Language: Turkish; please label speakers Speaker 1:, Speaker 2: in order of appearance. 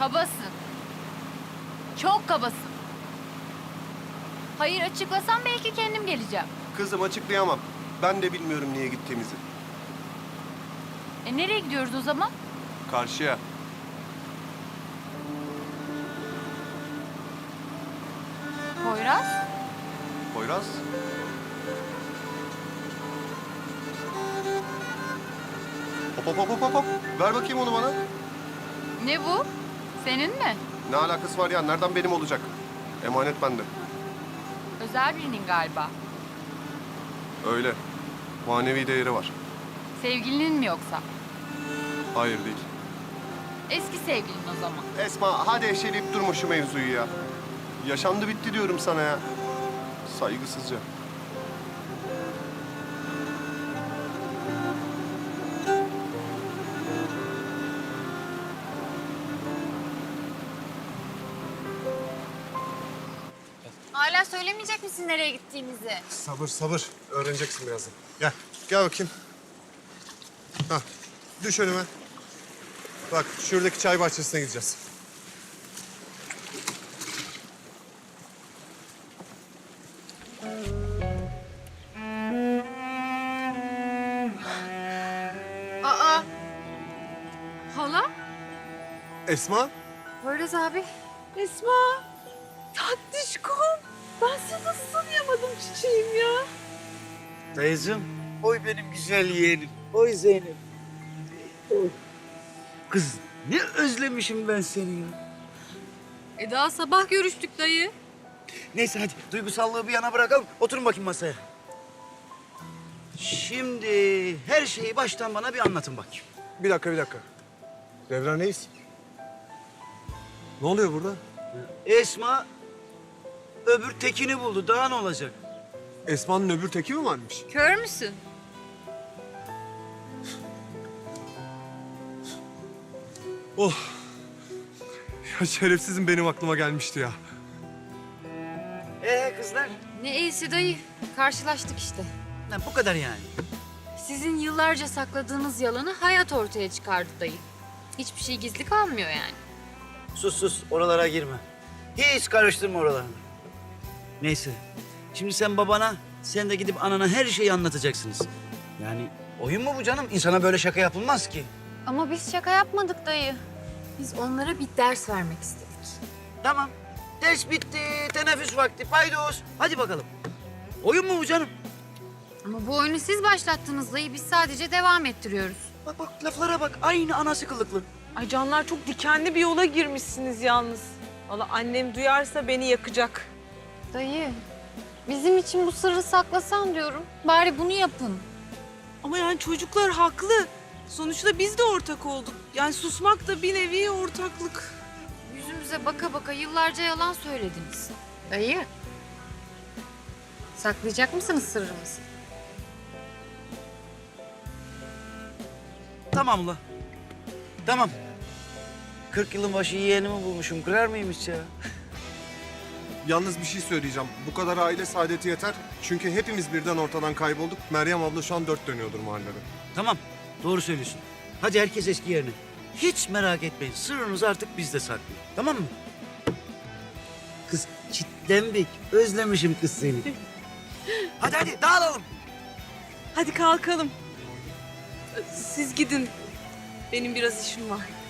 Speaker 1: Kabasın. Çok kabasın. Hayır, açıklasam belki kendim geleceğim.
Speaker 2: Kızım açıklayamam. Ben de bilmiyorum niye gittiğimizi.
Speaker 1: Nereye gidiyoruz o zaman?
Speaker 2: Karşıya.
Speaker 1: Poyraz?
Speaker 2: Poyraz. Hop hop hop hop hop. Ver bakayım onu bana.
Speaker 1: Ne bu? Senin mi?
Speaker 2: Ne alakası var ya? Nereden benim olacak? Emanet bende.
Speaker 1: Özel birinin galiba.
Speaker 2: Öyle. Manevi değeri var.
Speaker 1: Sevgilinin mi yoksa?
Speaker 2: Hayır değil.
Speaker 1: Eski sevgilin o zaman.
Speaker 2: Esma hadi eşeleyip durma şu mevzuyu ya. Yaşandı bitti diyorum sana ya. Saygısızca.
Speaker 1: Hala söylemeyecek misin nereye gittiğimizi?
Speaker 2: Sabır sabır. Öğreneceksin birazdan. Gel. Gel bakayım. Hah. Düş önüme. Bak şuradaki çay bahçesine gideceğiz.
Speaker 1: Aa! Hala?
Speaker 2: Esma.
Speaker 1: Poyraz abi.
Speaker 3: Esma, tatlışkom. Ben seni nasıl tanıyamadım çiçeğim ya?
Speaker 4: Dayıcığım, oy benim güzel yeğenim. Oy Zeynep. Oy. Kız ne özlemişim ben seni ya.
Speaker 3: Daha sabah görüştük dayı.
Speaker 4: Neyse hadi duygusallığı bir yana bırakalım. Oturun bakayım masaya. Şimdi her şeyi baştan bana bir anlatın bakayım.
Speaker 2: Bir dakika bir dakika. Devran Reis. Ne oluyor burada?
Speaker 4: Esma öbür tekini buldu. Daha ne olacak?
Speaker 2: Esma'nın öbür teki mi varmış?
Speaker 1: Kör müsün?
Speaker 2: Oh. Ya şerefsizim benim aklıma gelmişti ya.
Speaker 4: Kızlar?
Speaker 1: Ne iyisi dayı. Karşılaştık işte.
Speaker 4: Lan bu kadar yani.
Speaker 1: Sizin yıllarca sakladığınız yalanı hayat ortaya çıkardı dayı. Hiçbir şey gizli kalmıyor yani.
Speaker 4: Sus sus oralara girme. Hiç karıştırma oralarını. Neyse. Şimdi sen babana, sen de gidip anana her şeyi anlatacaksınız. Yani oyun mu bu canım? İnsana böyle şaka yapılmaz ki.
Speaker 1: Ama biz şaka yapmadık dayı. Biz onlara bir ders vermek istedik.
Speaker 4: Tamam. Ders bitti, teneffüs vakti, paydos. Hadi bakalım. Oyun mu bu canım?
Speaker 1: Ama bu oyunu siz başlattınız dayı. Biz sadece devam ettiriyoruz.
Speaker 4: Bak bak laflara bak. Aynı anası kılıklı.
Speaker 3: Ay canlar çok dikenli bir yola girmişsiniz yalnız. Valla annem duyarsa beni yakacak.
Speaker 1: Dayı, bizim için bu sırrı saklasan diyorum. Bari bunu yapın.
Speaker 3: Ama yani çocuklar haklı. Sonuçta biz de ortak olduk. Yani susmak da bir nevi ortaklık.
Speaker 1: Yüzümüze baka baka yıllarca yalan söylediniz. Dayı, saklayacak mısınız sırrımızı?
Speaker 4: Tamam ula. Tamam. 40 yılın başı yeğenimi bulmuşum. Kırar mıyım hiç ya?
Speaker 2: Yalnız bir şey söyleyeceğim. Bu kadar aile saadeti yeter. Çünkü hepimiz birden ortadan kaybolduk. Meryem abla şu an dört dönüyordur mahallede.
Speaker 4: Tamam. Doğru söylüyorsun. Hadi herkes eski yerine. Hiç merak etmeyin. Sırrınız artık bizde saklı. Tamam mı? Kız çitlenbik. Özlemişim kız seni. Hadi hadi dağılalım.
Speaker 3: Hadi kalkalım. Siz gidin. Benim biraz işim var.